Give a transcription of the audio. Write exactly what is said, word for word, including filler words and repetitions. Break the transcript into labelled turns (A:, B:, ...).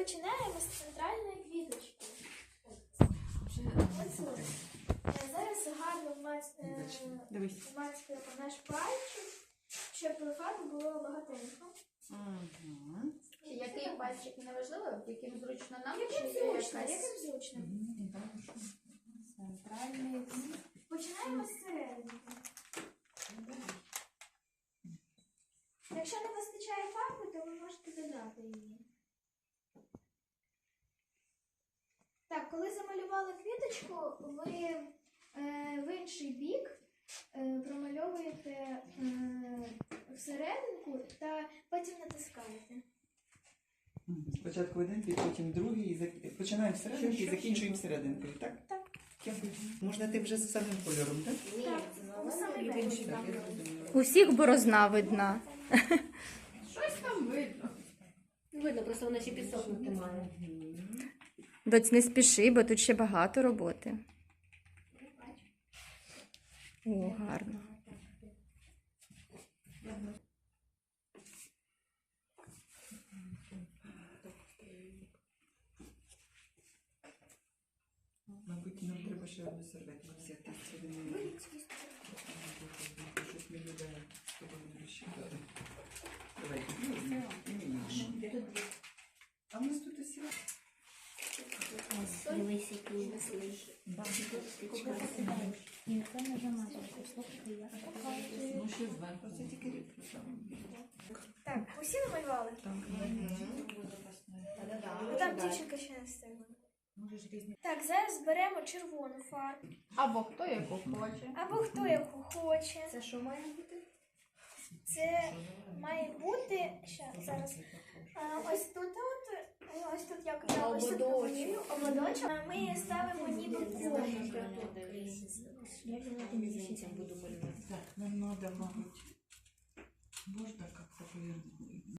A: починаємо з центральної квіточки. Оцю. Зараз гарно вмацькуємо наш пальчик, щоб фарби було багатенько.
B: Угу.
C: Який пальчик не важливо, яким зручно нам?
A: Яким
C: чи
A: зручно,
C: якась-
A: яким зручно.
B: Центральний.
A: Починаємо з середини. Якщо не вистачає фарби, то ви можете додати її. Так, коли замалювали квіточку, ви е, в інший бік е, промальовуєте е, всерединку та потім натискаєте.
D: Спочатку один бік, потім другий. І зак- Починаємо всерединки і закінчуємо всерединкою, так?
A: Так.
D: Дякую. Можна ти вже з самим кольором, так?
C: Ні,
A: Так,
C: це
A: у самий
C: новий.
A: верх.
D: Так, я зрозуміла.
B: Усіх борозна видна.
C: Щось там видно.
E: Видно, просто вона ще підсохнути має.
B: Доць, не спіши, бо тут ще багато роботи. О, гарно.
D: Мабуть, нам треба ще одну серветку взяти з середини. Щось не буде з тобою розчитати. Давай, візьми. І мені. А в нас тут усі.
E: Дивись, який веселий.
D: Ну, ще зверху. Це тільки рідко саме.
A: Так, усі намалювали? Ну, там дівчинка ще не встигла. Так, зараз беремо червону фарбу.
C: Або хто яку хоче.
A: Або хто яку хоче.
E: Це що має бути?
A: Це має бути, ще зараз, а, ось тут, от, ось тут як я ось тут намалюю, ободочок. А Ми ставимо ніби комик.
E: Я буду малювати.
D: Так, нам надо, мабуть, можна как-то повернуть.